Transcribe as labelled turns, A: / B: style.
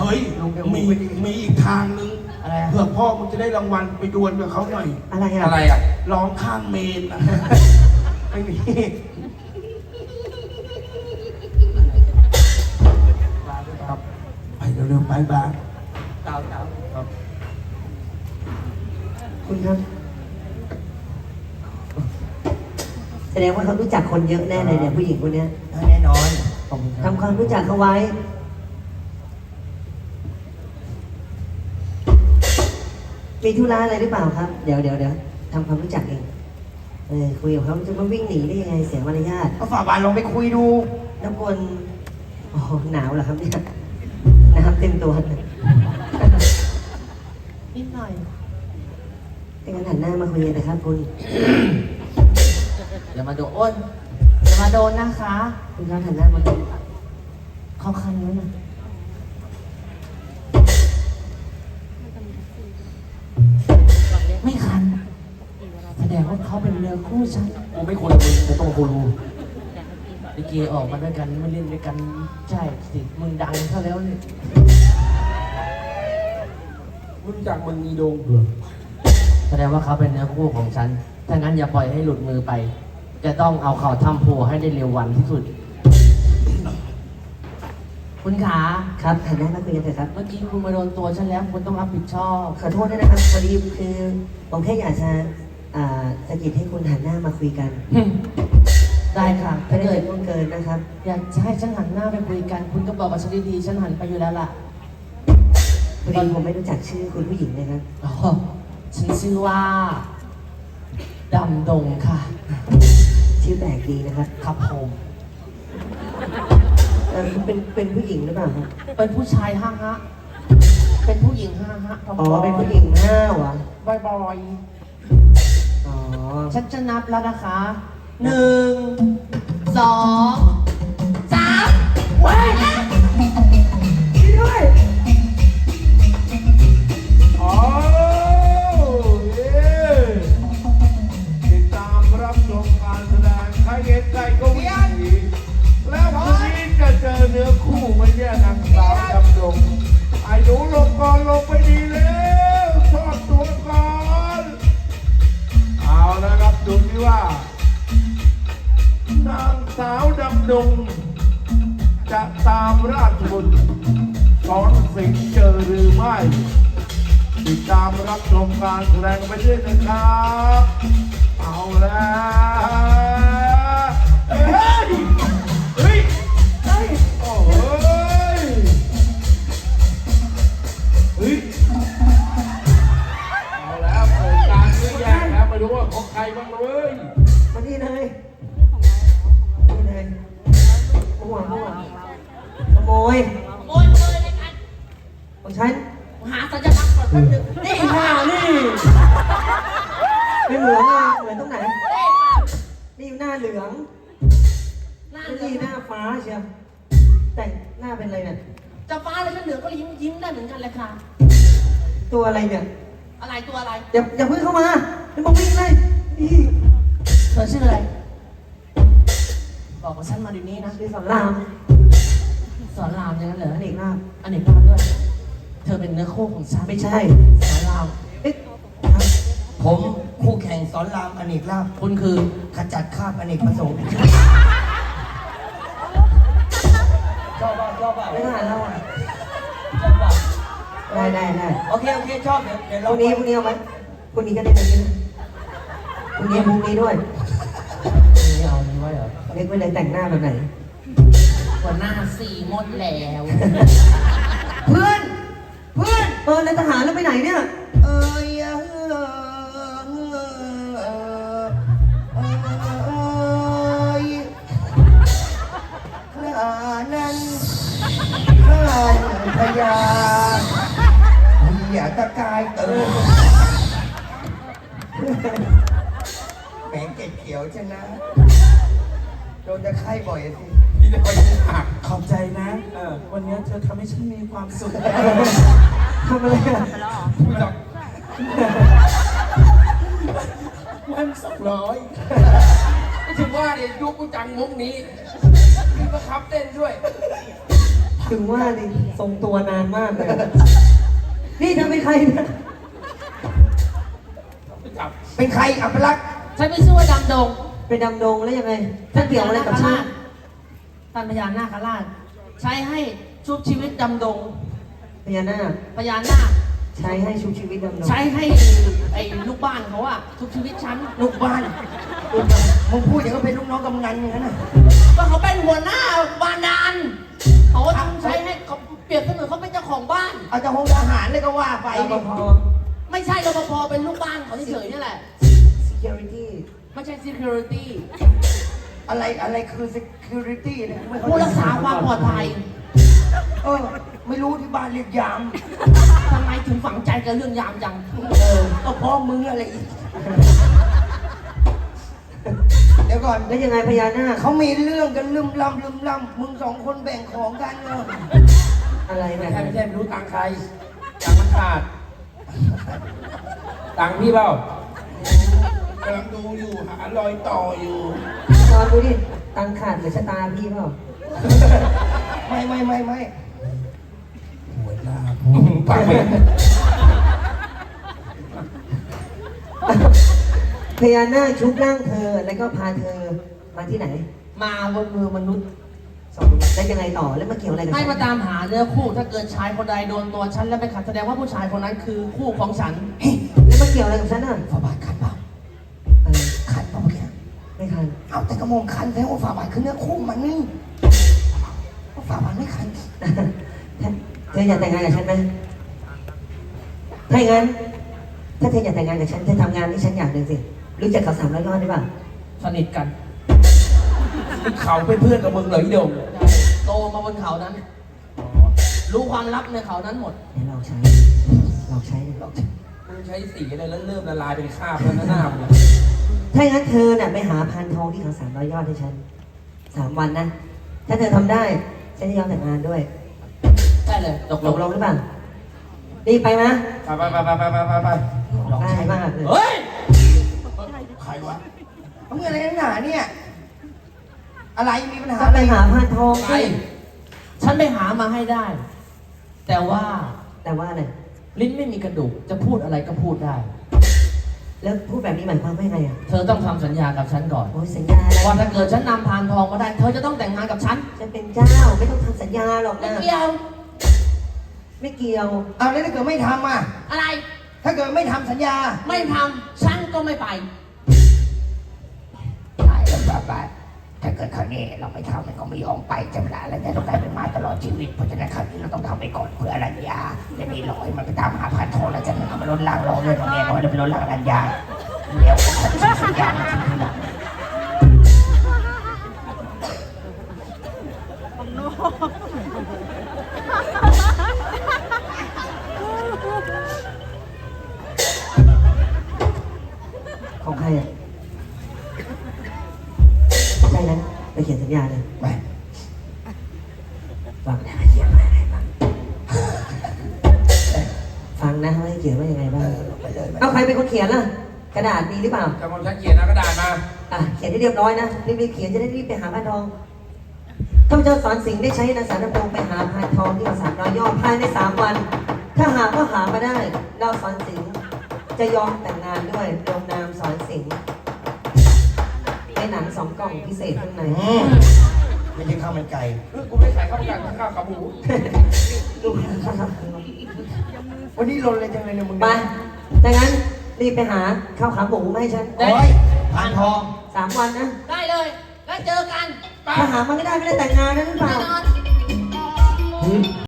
A: ฮ้ยมีอีกทางนึงอะไรเผื่อพ่อมึงจะได้รางวัลไปดวลกับเขาหน่อย
B: อะไรอ่ะ
A: ร้องข้างเมนนะ
B: ไม่มี
A: ครับไปเร็วๆไปบ้าง
B: เต่า
A: ครับ
B: คุณครับแสดงว่าเขารู้จักคนเยอะแน่เลยเนี่ยผู้หญิงคนนี้
C: แน่นอน
B: ทำความรู้จักเขาไว้มีธุระอะไรหรือเปล่าครับเดี๋ยวทำความรู้จักเองคุยกับเขาจะมาวิ่งหนีได้ยังไงเสียมารยาท
C: ก็ฝ่าบาทลองไปคุยดู
B: น้ำกวนโอ้หนาวเหรอครับเนี่ยน้ำเต็มตัว
C: นิดหน่อย
B: ให้กันหันหน้ามาคุยกันนะครับคุณ
C: อย่ามาโดนอ้นอย่ามาโดนนะคะ
B: คุณครับหันหน้ามาคุย
C: เขาคันแล้วนะไม่คันแสดงว่าเขาเป็นเนื้อคู่ฉันกูไม่ควรมึงกูต้องกูรู้ลิเกออกมาด้วยกันไม่เล่นด้วยกันใช่สิมึงดังซะแล้วเนี่ย
A: รู้จักมึงมีโดง
C: แสดงว่าเขาเป็นเนื้อคู่ของฉันถ้างั้นอย่าปล่อยให้หลุดมือไปจะต้องเอาเขาทำโพให้ได้เร็ววันที่สุดคุณขา
B: ครับหันหน้ามาคุยกันเถอะครับ
C: เมื่อกี้คุณมาโดนตัวฉันแล้วคุณต้องรับผิดชอบ
B: ขอโทษด้วยนะครับพอดีคือผมแค่อยากจะสะกิดให้คุณหันหน้ามาคุยกัน
C: ได้ค่ะ
B: ถ้าเกิดล่วงเกินนะครับ
C: อยากจะให้ฉันหันหน้าไปคุยกันคุณก็บอกกับฉันดีๆฉันหันไปอยู่แล้วล่ะ
B: พอดีผมไม่รู้จักชื่อคุณผู้หญิงเลยครับ
C: อ๋อฉันชื่อว่าดำดงค่ะ
B: ชื่อแปลกดีนะครับ
C: ครับผม
B: เป็นผู้หญิงหรือเปล่าครับ
C: เป็นผู้ชายห้าฮะเป็นผู้หญิงห้าฮะ
B: อ๋อเป็นผู้หญิงห้าวะ
C: บ่อย
B: อ๋อ
C: ฉันจะนับแล้วนะคะ1 2 3ว้าย
B: ช่วยด้วย
A: อ๋อติดตามรับชมการแสดงใครเห็นใครก็วิ่งหนีแล้วพรุ่งนี้จะเจอเนื้อคู่ไม่แย่นางสาวดำดงไอ้หนูลงก่อนลงไปดีแล้วทอดตัวก่อนเอาละครับดูที่ว่านางสาวดำดงจะตามราชบุตรสอนสิงห์เจอหรือไม่ติดตามรับชมการแสดงไปด้วยนะครับเอาแล้วเฮ้ยโอ้ยเอาแล้วเปิดการเยอะแยะแล้วไม่รู้ว่าของใครบ้างเลย
B: มาที่เลยมั่วขโมย
C: เลยกัน
B: ของฉัน
C: หาสัญลักษณ์ก่อนแป๊บนึง
B: นี่ค่ะนี่ไม่เหมือนเลยเหมือนตรงไหนนี่หน้าเหลืองนี่หน้าฟ้าเชียวแต่งหน้าเป็นอะไรเนี่ย
C: จะฟ้าแล้วก็เหลืองก็ยิ้มได้เหมือนกันเลยค่ะ
B: ตัวอะไรเนี่ย
C: อะไรตัวอะไร
B: อย่าเพิ่งเข้ามาจะมาวิ่งเลย
C: เธอชื่ออะไรบอกกับฉันมาเดี๋ยวนี้นะ
B: ชื่อสอนราม
C: อย่างนั้นเหรอ
B: อเนกลาภ
C: ด้วยเธอเป็นเนื้อคู่ของฉัน
B: ไม่ใช่
C: สอนราม
D: ผมคู่แข่งสอนรามอเนกลาภ
C: คุณคือ
D: ขจัดคราบอเนกประสงค์ชอบป่ะ
B: ไม่ผ่านแล้วอ่ะ
D: ชอบป่ะ
B: ได้
D: โอเคชอบเดี๋ยว
B: พรุ่งนี้เอาไหมพรุ่งนี้ก็ได้เลยนะพรุ่งนี้ด้วย
C: นี่เอานี้ไว้เหรอ
B: เล็กไว้เลยแต่งหน้าแบบไหน
C: หัวหน้าสีหมดแล้ว
B: เพื่อนแล้วทหารแล้วไปไหนเนี่ย
D: นั้นพยาอย่าตะกายแหมเก็บเขียวชนะโดนจะไข้บ่อยสิ
A: พี่จะไปหักขอบใจนะวันนี้เธอทำให้ฉันมีความสุข
B: ทำอะไรอ่ะ
A: มัน200ไม่ถึงว่าเนี่ยยุคกูจังมุกนี้พี่ประคับเต้นด้วยพ
B: ถึงว่านี่ทรงตัวนานมากเลย นี่เธอเป็นใครนะ
D: เป็นใครอัปลักษณ์
C: ฉันไม่ชื่อว่าดำดง
B: เป็นดำดงแล้วยังไงท่านเกี่ยวอะไรกับฉัน
C: ท่านพญานาคราช ใช้ให้ชุบชีวิตดำดง
B: พญานาค
C: พญานาค
B: ใช้ให้ชุบชีวิตดำดง
C: ใช้ให้ไอ้ลูกบ้านเขาอะชุบชีวิตฉัน
D: ลูกบ้านมึงพูดอย่างก็เป็นลูกน้องกำนันอย่างนั้นนะ
C: ก็เขาเป็นหัวหน้าบ้านดานเขาก็ต้องใช้ให้เขาเปรียบเสมือนเขาเป็นเจ้าของบ้าน
D: เอาจากห้องทหารเลยก็ว่าไป
B: รป
D: ดิ
B: ภ
C: ไม่ใช่รปภเป็นลูกบ้านเขาเฉยๆนี่แหละ
B: security
C: ไม่ใช่ security
D: อะไรคือ security เนี่ยไม่เข้า
C: ผู้
D: ใจ
C: รักษาความปลอดภัย
D: ไม่รู้ที่บ้านเรียกยาม
C: ทำไมถึงฝังใจกับเรื่องยามจัง
D: ก็เพราะมึงอะไรอีก เดี๋ยวก่อน
B: แล้วยังไงพญานาค
D: เขามีเรื่องกันลืมล่ำมึงสองคนแบ่งของกันเนอะ
B: อะไร
A: ไม่
B: เนี่ย
A: ใช่ไม่ใช่ไม่รู้ตังค์ใครตังค์มันขาดตังค์พี่เปล่ากำลังดูอยู่หารอยต่ออยู่
B: ตอนดูดิตังขาดหรือชะตาพี่เปล่า
D: ไม่
A: หัวหน้าปากเป็น
B: พญานาคชุบร่างเธอแล้วก็พาเธอมาที่ไหน
C: มาบนมือมนุษย์
B: สองแล้วยังไงต่อแล้วมาเกี่ยวอะไรกับ
C: ให้
B: ฉัน
C: มาตามหาเนื้อคู่ถ้าเกิดชายคนใดโดนตัวฉันแล้วไปขัดแสดงว่าผู้ชายคนนั้นคือคู่ของฉัน
B: แล้วมาเกี่ยวอะไรกับฉันน่ะ
D: ฝาบาทคันเปล่า
B: อะไร
D: คันเปล่าเมื่อกี้
B: ไม่คัน
D: เอาแต่กระโมงคันแท้ว่าฝาบาทคือเนื้อคู่มันนี่ฝาบาทไม่คัน
B: เธออยากแต่งงานกับฉันไหมถ้าอย่างนั้น ถ้าเธออยากแต่งงานกับฉันเธอทำงานที่ฉันอย่างหนึ่งสิ รู้จักเขา300 ยอดหรือเปล่า
C: สนิทกัน
A: เขาเป็นเพื่อนกับมึงเหรออีโดง
C: โตมาบนเขานั้น รู้ความลับในเขานั้นหมด
B: เดี๋ยวเราใช้เราใช้เลย
A: มึงใช้สีอะไรแล้วเริ่มละลายเป็นคราบแล้วนะหน้ามึง
B: ถ้าอย่างนั้นเธอน่ะไปหาพานทองที่เขา300 ยอดให้ฉัน3 วันนะ ถ้าเธอทำได้ฉันจะยอมแต่งงานด้วย
C: ได้เลยตก
B: ต
C: ล
B: ก
C: ง
B: ลงหรือเปล่ารีบไปนะ
A: ไป
B: ได้มากเลย
C: เฮ้ย
A: ใครวะ
D: มึงอะไรนักหนาเนี่ย อะไรมีปัญหา
B: จะ
D: อะไร
B: ไปหาพานทอง
C: ไปฉันไปหามาให้ได้ แต่ว่า
B: แต่ว่าอะไร
C: ลิ้นไม่มีกระดูก จะพูดอะไรก็พูดได้
B: แล้วพูดแบบนี้หมายความว่าไงอ่ะ
C: เธอต้องทำสัญญากับฉันก่อน
B: โอ้ยสัญญาอะไร
C: ว่าถ้าเกิดฉันนำพานทองมาได้ เธอจะต้องแต่งงานกับฉัน
B: จะเป็นเจ้าไม่ต้องทำสัญญาหรอก
C: ไม่
B: นะ
C: เกี่ยว
B: ไม่เกี่ยว
D: เอาแล้วถ้าเกิดไม่ทำอ่ะ
C: อะไร
D: ถ้าเกิดไม่ทำสัญญา
C: ไม่ทำฉันก็ไม่ไป
D: ได้แล้วบ้าถ้าเกิดครั้งนี้เราไม่ทำมันก็ไม่ยอมไปจำละแล้วเนี่ยต้องกลายเป็นมาตลอดชีวิตเพราะฉะนั้นครั้งนี้เราต้องทำไปก่อนเพื่ออรัญญาและนี่รอให้มันไปตามหาพันทองแล้วจะมันมาล้นล่างรอเงินของแม่น้อยแล้วไปล้นล่างอรัญญาแล้วฉันจะสัญญามาทีหลัง
B: ของใครอ่ะใช่นั้นไปเขียนสัญญาเลย
D: ไป
B: ฟังนะเขียนว่ายังไงบ้างฟังนะว่าให้เขียนว่ายังไงบ้าง
D: ไปเลย
B: เอาใครเป็นคนเขียนล่ะ กระดาษมีหรือเปล่า
A: จะมองฉันเขียนนะกระดาษมา
B: อ่ะเขียนให้เรียบร้อยนะรีบๆเขียนจะได้รีบไปหาพานทองข้าพเจ้าสอนสิงห์ได้ใช้นางสารดำรงไปหาพานทองที่เขา300 ยอดภายใน3 วัน ถ้าหากว่าหามาได้ เราสอนสิงห์จะยอมแต่งงานด้วยลงนามสอนสิงห์ในหนัง2 กล่องพิเศษข้างใน
D: ไม่ใช่ข้าวมันไก่
A: กูไม่ขายข้าวมันข้าวขาหมู
B: ดูครับ
D: วันนี้ลนเลยจังเลยเนี่ยมึง
B: ไปดังนั้นรีบไปหาข้าวขาหมูมาให้ฉัน
D: โอ้ยผ่านทอง
B: 3 วันนะ
C: ได้เลย แล้วเจอกัน
B: ถ้าหามาไม่ได้แต่งงานนะหรือเป
C: แน่
B: ล่า
C: นอน